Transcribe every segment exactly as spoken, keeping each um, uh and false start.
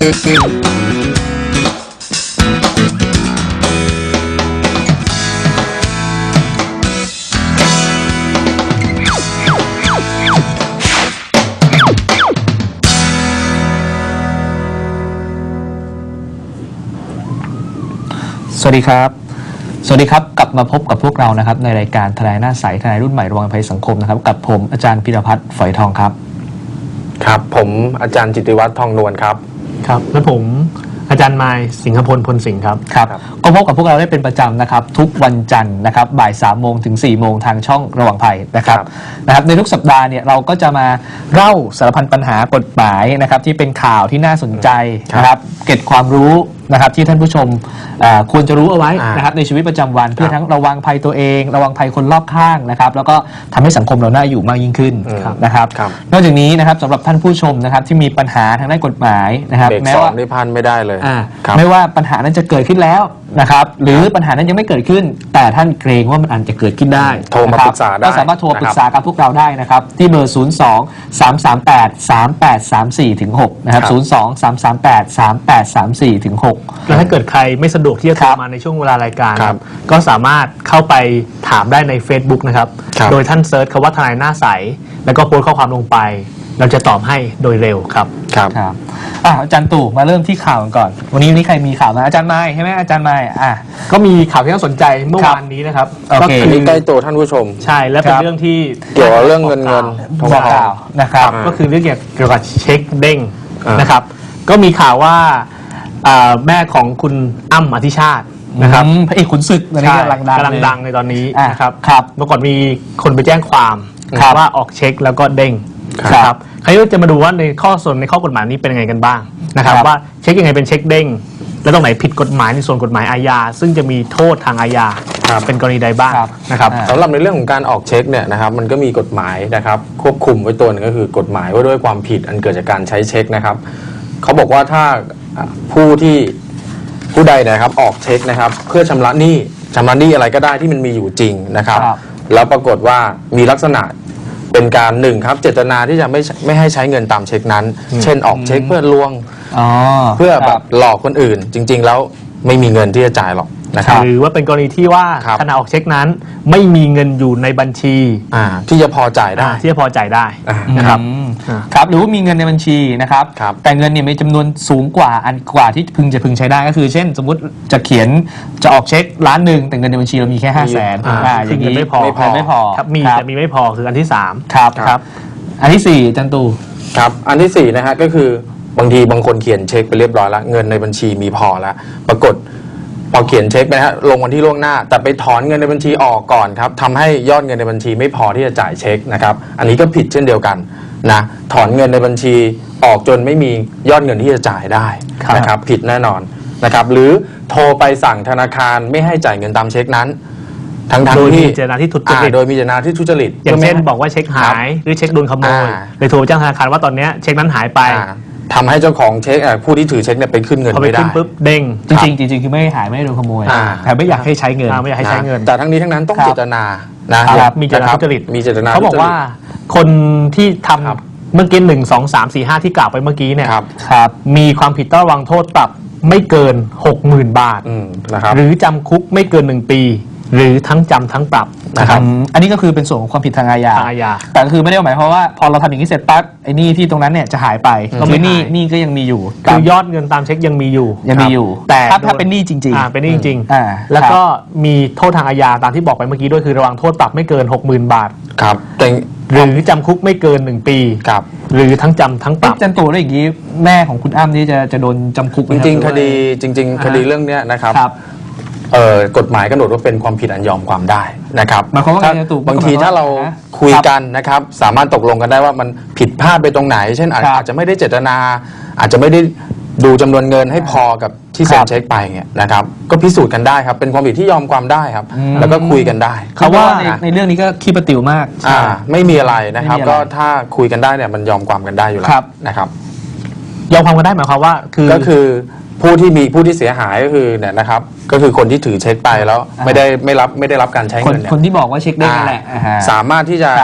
สวัสดีครับสวัสดีครับกลับมาพบกับพวกเรานะครับในรายการทนายหน้าใสทนายรุ่นใหม่ระวังภัยสังคมนะครับกับผมอาจารย์พิรพัฒน์ฝอยทองครับครับผมอาจารย์จิตติวัฒน์ทองนวลครับครับและผมอาจารย์มายสิงหพลพลสิงห์ครับครับก็พบกับพวกเราได้เป็นประจำนะครับทุกวันจันทร์นะครับบ่ายสามโมงถึงสี่โมงทางช่องระวังภัยนะครับนะครับในทุกสัปดาห์เนี่ยเราก็จะมาเล่าสารพันปัญหากฎหมายนะครับที่เป็นข่าวที่น่าสนใจนะครับเก็บความรู้นะครับที่ท่านผู้ชมควรจะรู้เอาไว้นะครับในชีวิตประจำวันเพื่อทั้งระวังภัยตัวเองระวังภัยคนรอบข้างนะครับแล้วก็ทำให้สังคมเราน่าอยู่มากยิ่งขึ้นนะครับนอกจากนี้นะครับสำหรับท่านผู้ชมนะครับที่มีปัญหาทางด้านกฎหมายนะครับแม้ว่าได้พันไม่ได้เลยไม่ว่าปัญหานั้นจะเกิดขึ้นแล้วนะครับหรือปัญหานั้นยังไม่เกิดขึ้นแต่ท่านเกรงว่ามันอาจจะเกิดขึ้นได้โทรมาปรึกษาได้ก็สามารถโทรปรึกษากับพวกเราได้นะครับที่เบอร์ ศูนย์ สอง สาม สาม แปด สาม แปด สาม สี่ ถึง หก นะครับ ศูนย์ สอง สาม สาม แปด สาม แปด สาม สี่ ถึง หกแล้วถ้าเกิดใครไม่สะดวกที่จะโทรมาในช่วงเวลารายการก็สามารถเข้าไปถามได้ใน Facebook นะครับโดยท่านเซิร์ชคำว่าทนายหน้าใสแล้วก็โพสต์ข้อความลงไปเราจะตอบให้โดยเร็วครับครับครับอ่ะอาจารย์ตู่มาเริ่มที่ข่าวก่อนวันนี้วันนี้ใครมีข่าวมาอาจารย์ไม้ใช่ไหมอาจารย์ไม้อ่ะก็มีข่าวที่น่าสนใจเมื่อวานนี้นะครับก็คือใกล้ตัวท่านผู้ชมใช่และเป็นเรื่องที่เกี่ยวกับเรื่องเงินเงินทองทองนะครับก็คือเรื่องเกี่ยวกับเช็คเด้งนะครับก็มีข่าวว่าแม่ของคุณอ้ำอธิชาตินะครับพระเอกขุนศึกกำลังดังกำลังดังในตอนนี้นะครับเมื่อก่อนมีคนไปแจ้งความว่าออกเช็คแล้วก็เด้งครับใครจะมาดูว่าในข้อส่วนในข้อกฎหมายนี้เป็นยังไงกันบ้างนะครับว่าเช็คยังไงเป็นเช็คเด้งแล้วตรงไหนผิดกฎหมายในส่วนกฎหมายอาญาซึ่งจะมีโทษทางอาญาเป็นกรณีใดบ้างนะครับสำหรับในเรื่องของการออกเช็คเนี่ยนะครับมันก็มีกฎหมายนะครับควบคุมไว้ตัวนึงก็คือกฎหมายว่าด้วยความผิดอันเกิดจากการใช้เช็คนะครับเขาบอกว่าถ้าผู้ที่ผู้ใดนะครับออกเช็คนะครับเพื่อชำระหนี้ชำระหนี้อะไรก็ได้ที่มันมีอยู่จริงนะครับแล้วปรากฏว่ามีลักษณะเป็นการหนึ่งครับเจตนาที่จะไม่ไม่ให้ใช้เงินตามเช็คนั้นเช่นออกเช็คเพื่อลวงเพื่อแบบหลอกคนอื่นจริงๆแล้วไม่มีเงินที่จะจ่ายหรอกนะครับหรือว่าเป็นกรณีที่ว่าขณะออกเช็คนั้นไม่มีเงินอยู่ในบัญชีที่จะพอจ่ายได้ที่จะพอจ่ายได้นะครับครับหรือว่ามีเงินในบัญชีนะครับแต่เงินเนี่ยมีจำนวนสูงกว่าอันกว่าที่พึงจะพึงใช้ได้ก็คือเช่นสมมติจะเขียนจะออกเช็คล้านหนึ่งแต่เงินในบัญชีเรามีแค่ห้าแสนอย่างนี้ไม่พอไม่พอไม่พอครับมีแต่มีไม่พอคืออันที่สามครับครับอันที่สี่จันตูครับอันที่สี่นะฮะก็คือบางทีบางคนเขียนเช็คไปเรียบร้อยแล้วเงินในบัญชีมีพอแล้วปรากฏพอเขียนเช็คไปนะฮะลงวันที่ล่วงหน้าแต่ไปถอนเงินในบัญชีออกก่อนครับทำให้ยอดเงินในบัญชีไม่พอที่จะจ่ายเช็คนะครับอันนี้ก็ผิดเช่นเดียวกันนะถอนเงินในบัญชีออกจนไม่มียอดเงินที่จะจ่ายได้นะครับผิดแน่นอนนะครับหรือโทรไปสั่งธนาคารไม่ให้จ่ายเงินตามเช็คนั้นทั้งๆที่โดยมีเจตนาที่ทุจริตโดยมีเจตนาที่ทุจริตอย่างเช่นบอกว่าเช็คหายหรือเช็คโดนขโมยเลยโทรไปแจ้งธนาคารว่าตอนนี้เช็คนั้นหายไปทำให้เจ้าของเช็คผู้ที่ถือเช็คเนี่ยไปขึ้นเงินไม่ได้พอไปขึ้นปุ๊บเด้งจริงๆจริงๆคือไม่หายไม่โดนขโมยแต่ไม่อยากให้ใช้เงินไม่อยากให้ใช้เงินแต่ทั้งนี้ทั้งนั้นต้องเจตนานะมีเจตนาทุจริตมีเจตนาเขาบอกว่าคนที่ทำเมื่อกี้หนึ่งสองสามสี่ห้าที่กล่าวไปเมื่อกี้เนี่ยมีความผิดต้องระวังโทษปรับไม่เกินหกหมื่นบาทหรือจำคุกไม่เกินหนึ่งปีหรือทั้งจำทั้งปรับนะครับอันนี้ก็คือเป็นส่วนของความผิดทางอาญาแต่คือไม่ได้หมายความว่าพอเราทำอย่างนี้เสร็จปั๊บไอ้นี่ที่ตรงนั้นเนี่ยจะหายไปก็ไม่นี่นี่ก็ยังมีอยู่คือยอดเงินตามเช็คยังมีอยู่ยังมีอยู่แต่ถ้าเป็นหนี้จริงๆเป็นหนี้จริงๆแล้วก็มีโทษทางอาญาตามที่บอกไปเมื่อกี้ด้วยคือระวังโทษปรับไม่เกิน หกหมื่น บาทครับหรือจำคุกไม่เกินหนึ่งปีหรือทั้งจำทั้งปรับจันตูแล้วอย่างนี้แม่ของคุณอ้ำนี่จะจะโดนจำคุกจริงๆคดีจริงๆคดีเรื่องนี้นะครับเอ่อกฎหมายกำหนดว่าเป็นความผิดอันยอมความได้นะครับบางทีถ้าเราคุยกันนะครับสามารถตกลงกันได้ว่ามันผิดพลาดไปตรงไหนเช่นอาจจะไม่ได้เจตนาอาจจะไม่ได้ดูจำนวนเงินให้พอกับที่เซ็นเช็คไปเนี่ยนะครับก็พิสูจน์กันได้ครับเป็นความผิดที่ยอมความได้ครับแล้วก็คุยกันได้เขาว่าในเรื่องนี้ก็ขี้ประติ๋วมากอ่าไม่มีอะไรนะครับก็ถ้าคุยกันได้เนี่ยมันยอมความกันได้อยู่แล้วนะครับยอมความกันได้หมายความว่าคือก็คือผู้ที่มีผู้ที่เสียหายก็คือเนี่ยนะครับก็คือคนที่ถือเช็คไปแล้วไม่ได้ไม่รับไม่ได้รับการใช้เงินคนที่บอกว่าเช็คได้นั่นแหละสามารถที่จะ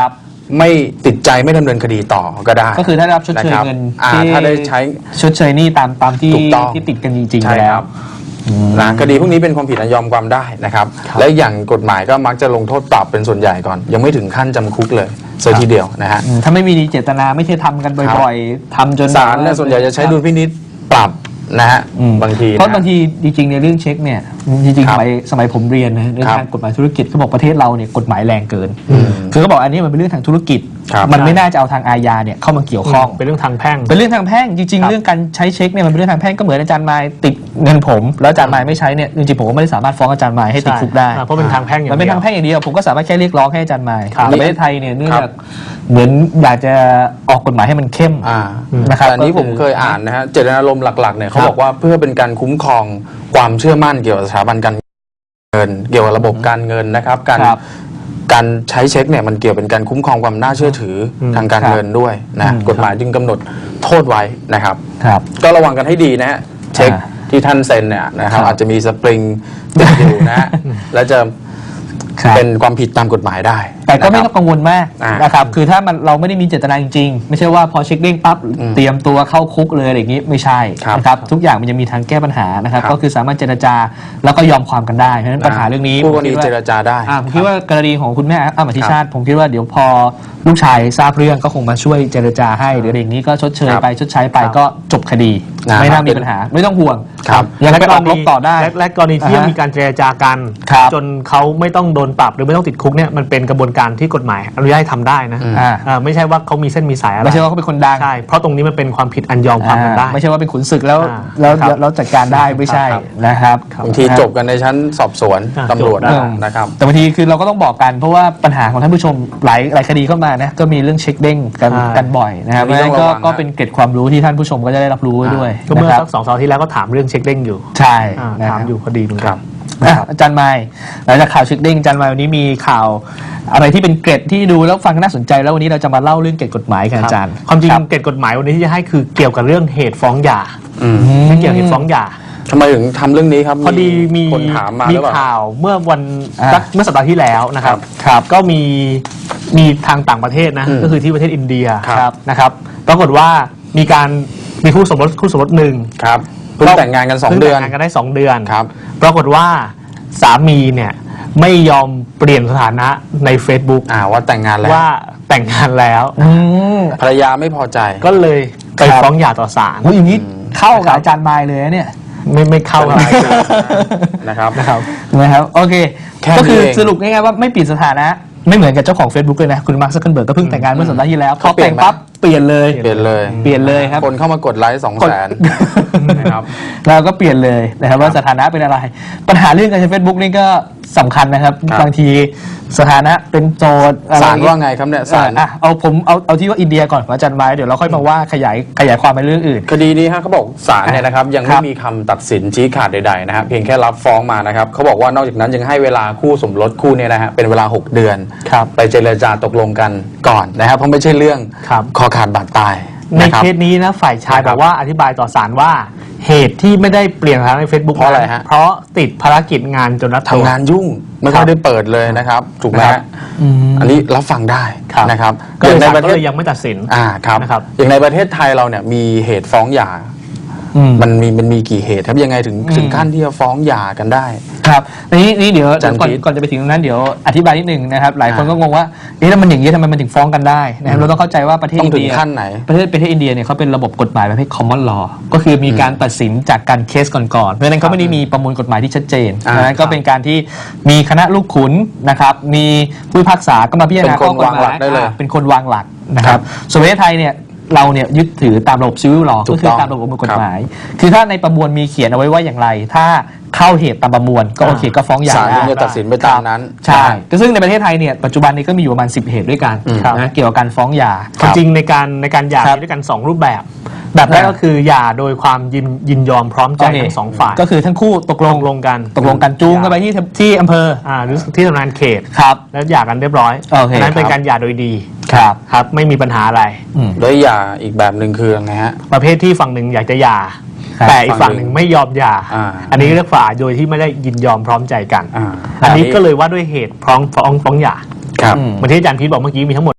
ไม่ติดใจไม่ดำเนินคดีต่อก็ได้ก็คือถ้าได้รับชดเชยนะครับเงินอ่าที่ถ้าได้ใช้ชดเชยหนี่ตามตามที่ถูกต้องที่ติดกันจริงๆใช่แล้คว รับอืมนะคดีพวกนี้เป็นความผิดอันยอมความได้นะครับ และอย่างกฎหมายก็มักจะลงโทษปรับเป็นส่วนใหญ่ก่อน ยังไม่ถึงขั้นจำคุกเลยเสียทีเดียวนะฮะอืมถ้าไม่มีเจตนาไม่ใช่ทำกันบ่อยๆทำจนศาลเนี่ยส่วนใหญ่จะใช้ดุลพินิจปรับนะฮะอืมบางทีเพราะนะบางทีจริงๆในเรื่องเช็คเนี่ยจริงคๆรัสบมัยสมัยผมเรียนนะเรื่องครับทางกฎหมายธุรกิจเขาบอกประเทศเราเนี่ยกฎหมายแรงเกินอืมคือเขาบอกอันนี้มันเป็นเรื่องทางธุรกิจครับมันไม่น่าจะเอาทางอาญาเนี่ยเข้ามาเกี่ยวข้องเป็นเรื่องทางแพ่งเป็นเรื่องทางแพ่งจริงครัๆบเรื่องการใช้เช็คเนี่ยมันเป็นเรื่องทางแพ่งก็เหมือนอาจารย์มายติดเงินผม แล้วอาจารย์มายไม่ใช้เนี่ยจริงๆผมก็ไม่ได้สามารถฟ้องอาจารย์มายให้ติดคุกได้อ่าเพราะเป็นทางแพ่งอย่างมันเดีเป็นยวทางแพ่งอย่างเดียวผมก็สามารถแค่เรียกร้องให้อาจารย์มายครับแต่ประเทศไทยเนี่ยเนื่องครัจากบเหมือนอยากจะออกกฎหมายให้มันเข้มอ่านะครับแต่อันนี้ก็ผคือมเคยอ่านนะฮะเจตนารมณ์หลักๆเนี่ยเขาครับบอกว่าเพื่อเป็นการคุ้มครองความเชื่อมั่นเกี่ยวกับสถาบันการเงิน เกี่ยวกับระบบการเงินนะครับการครับการใช้เช็คเนี่ยมันเกี่ยวเป็นการคุ้มครองความน่าเชื่อถืออมทางการครับเงินด้วยนะอืมกฎหมายจึงกำหนดโทษไว้นะครับครับก็ระวังกันให้ดีนะฮะเช็คอ่าที่ท่านเซ็นเนี่ยนะครับครับอาจจะมีสปริงติดอยู่นะฮะและจะครับเป็นความผิดตามกฎหมายได้แต่ก็ไม่นะคต้รัอบ งกังวลมากอ่านนะครับ คือถ้ามันเราไม่ได้มีเจตนาจริงๆ ไม่ใช่ว่าพอเช็คเด้งปั๊บอืมเตรียมตัวเข้าคุกเลยอะไรอย่างนี้ไม่ใช่ครับนะครับ ทุกอย่างมันจะมีทางแก้ปัญหานะครับครับก็คือสามารถเจรจาแล้วก็ยอมความกันได้ เพราะฉะนั้นปัญหาเรื่องนี้คู่กรณีผมคิดว่าเจรจาได้อ่าผมคิดว่ากรณีของคุณแม่อ้ำอธิชาติครับผมคิดว่าเดี๋ยวพอลูกชายทราบเรื่องก็คงมาช่วยเจรจาให้หรืออะไรอย่างนี้ก็ชดเชยครับไปชดใช้ไปครับก็จบคดีนะครับไม่น่ามีปัญหาไม่ต้องห่วงครับยังไปออกรบต่อได้และและกรณีที่อ่าฮะมีการเจรจากันครับจนเขาไม่ต้องโดนปรับหรือไม่ต้องติดคุกเนี่ยมันเป็นกระบวนการที่กฎหมายอนุญาตให้ทำได้นะอืมอ่าอ่าไม่ใช่ว่าเขามีเส้นมีสายอะไรไม่ใช่ว่าเขาเป็นคนดังใช่เพราะตรงนี้มันเป็นความผิดอันยอมความกันได้อ่าไม่ใช่ว่าเป็นขุนศึกแล้วอ่าแล้วครับแล้วจัดการได้ไม่ใช่ครับนะครับบางทีจบกันในชั้นสอบสวนอ่าตำรวจจบได้นะครับแต่บางทีคือเราก็ต้องบอกกันเพราะว่าปัญหาของท่านผู้ชมหลายหลายคดีเข้ามานะก็มีเรื่องเช็คเด้งกันใช่กันบ่อยนะครับอันนี้เพราะฉะนั้นก็ต้องระวังนะก็เป็นเกร็ดความรู้ที่ท่านผู้ชมก็จะได้รับรู้ไว้ด้วยก็เมื่อนะครับสักสองสัปดาห์ที่แล้วก็ถามเรื่องเช็คเด้งอยู่ใช่อ่านะคถารัมบอยู่พอดีเหมือนคกัรันบอ่ะอาจารย์ไมค์หลังจากข่าวเช็คเด้งอาจารย์ไมค์วันนี้มีข่าวอะไรที่เป็นเกร็ดที่ดูแล้วฟังน่าสนใจแล้ววันนี้เราจะมาเล่าเรื่องเกร็ดกฎหมายกันอาจารย์ความจริงครับเกณฑ์กฎหมายวันนี้ที่จะให้คือเกี่ยวกับเรื่องเหตุฟ้องหย่าอืมไม่เกี่ยวกับเหตุฟ้องหย่าทำไมถึงทำเรื่องนี้ครับพอดีมีคนถามมาหมีรือเปล่าข่าวเมื่อวันอ่าสักเมื่อสัปดาห์ที่แล้วนะครับครับก็มีมีทางต่างประเทศนะอืมก็คือที่ประเทศอินเดียครับนะครับปรากฏว่ามีการมีคู่สมรสคู่สมรสหนึ่งครับเพิ่งแต่งงานกันสองพิ่เดือนแต่งงานกันได้สองเดือนครับปรากฏว่าสามีเนี่ยไม่ยอมเปลี่ยนสถานะใน Facebook อ่าว่าแต่งงานแล้วว่าแต่งงานแล้วอืมภรรยาไม่พอใจก็เลยไปครับฟ้องหย่าต่อศาลโอ้ยอย่างนี้เข้ากับอาจารย์ไมค์เลยนะเนี่ยไม่ไม่เข้าอะไรนะครับนะครับนะครับโอเคแค่นี้ก็คือเองสรุปง่ายๆว่าไม่เปลี่ยนสถานะ ไม่เหมือนกับเจ้าของ Facebook เลยนะ คุณมาร์คซักเคิลเบิร์กก็เพิ่งแต่งงานเมื่อสัปดาห์ที่แล้วพอเขาเปลี่แต่ยนงไหมปั๊บเปลี่ยนเลยเปลี่ยนเลยเปลี่ยนเลยครับคนเข้ามากดไลค์สองกดแสนนะครับเราก็เปลี่ยนเลยนะครับว่าสถานะเป็นอะไร ปัญหาเรื่องการใช้ Facebook นี่ก็สำคัญนะครับครับบางทีสถานะเป็นโจทย์อะไรศาลว่าไงครับเนี่ยศาลอ่ะเอาผมเอาเอาที่ว่าอินเดียก่อนอาจารย์ไม้เดี๋ยวเราค่อยมาว่าขยายขยายความไปเรื่องอื่นคดีนี้ฮะเขาบอกศาลเนี่ยนะครับยังครัไม่บมีคำตัดสินชี้ขาดใดๆนะครับเพียงแค่รับฟ้องมานะครับเขาบอกว่านอกจากนั้นยังให้เวลาคู่สมรสคู่เนี่ยนะฮะเป็นเวลาหกเดือนครับไปเจรจาตกลงกันก่อนนะครับเพราะไม่ใช่เรื่องครับคอขาดบาดตายในนะครับเคสนี้นะฝ่ายชายนะครับบอกว่าอธิบายต่อศาลว่าเหตุที่ไม่ได้เปลี่ยนสถานะใน Facebook เพราะอะไรฮะเพราะติดภารกิจงานจนรัดตัวทำงานยุ่งไม่ค่อยได้เปิดเลยนะครับถูกไหมครัฮะบอันนี้รับฟังได้ครับนะครับก็เลยอย่างในศาลประก็เทศเลยยังไม่ตัดสินอ่าครับนะครับอย่างในประเทศไทยเราเนี่ยมีเหตุฟ้องหย่าอืมมันมีมันมีกี่เหตุครับยังไงถึงอืมถึงขั้นที่จะฟ้องหย่ากันได้ครับนี่นี่เดี๋ยวอาจารย์ก่อนพีทก่อนจะไปถึงตรงนั้นเดี๋ยวอธิบายนิดนึงนะครับ หลายคนอ่าก็งงว่าเอ๊ะแล้วมันอย่างนี้ทำไมมันถึงฟ้องกันได้นะครับเราต้องเข้าใจว่าประเทศต้องอินถึงเดียขั้นไหนประเทศประเทศอินเดียเนี่ยเขาเป็นระบบกฎหมายประเภท common law ก็คือมีการตัดสินจากการเคสก่อนๆเพราะฉะนั้นเขาไม่ได้มีประมวลกฎหมายที่ชัดเจนอ่าดังนั้นก็เป็นการที่มีคณะลูกขุนนะครับมีผู้พิพากษาก็มาพิจารณาเป็นคนข้อกฎหวางหลัมายกได้เลยอ่าเป็นคนวางหลักนะคครัรับบ ส่วนประเทศไทยเนี่ยเราเนี่ยยึดถือตามระบบ civil law ถูก็กคือต้องตามระบบประมวลกฎหมาย คือถ้าในประมวลมีเขียนเอาไว้ว่าอย่างไร ถ้าเข้าเหตุตามประมวลก็โอเคก็ฟ้องหย่าศาลได้ถึงจะตัดสินไปตามนั้นใช่ก็ซึ่งในประเทศไทยเนี่ยปัจจุบันนี้ก็มีอยู่ประมาณสิบเหตุด้วยกันอืมนะเกี่ยวกับการฟ้องหย่าความจริงในการในการหย่าครับมีด้วยกันสองรูปแบบ แบบแรกก็คือหย่าโดยความยินยินยอมพร้อมใจโอเคทั้งสองฝ่ายก็คือทั้งคู่ตกลงตกลงกันตกลงกันจูงกันไปที่ที่อำเภออ่าหรือที่ทำงานเขตครับแล้วหย่ากันเรียบร้อยโอเคอันนั้นเป็นครับการหย่าโดยดีครับครับไม่มีปัญหาอะไรอืมแล้วหย่าอีกแบบหนึ่งคือยังไงฮะประเภทที่ฝั่งหนึ่งอยากจะหย่าครับแต่อีกฝั่งหนึ่งไม่ยอมหย่าอ่าอันนี้เรียกฝ่ายโดยที่ไม่ได้ยินยอมพร้อมใจกันอ่าอันนี้ก็เลยว่าด้วยเหตุพร้อมฟ้องฟ้องหย่าครับอืมเหมือนที่อาจารย์พีทบอกเมื่อกี้มีทั้งหมด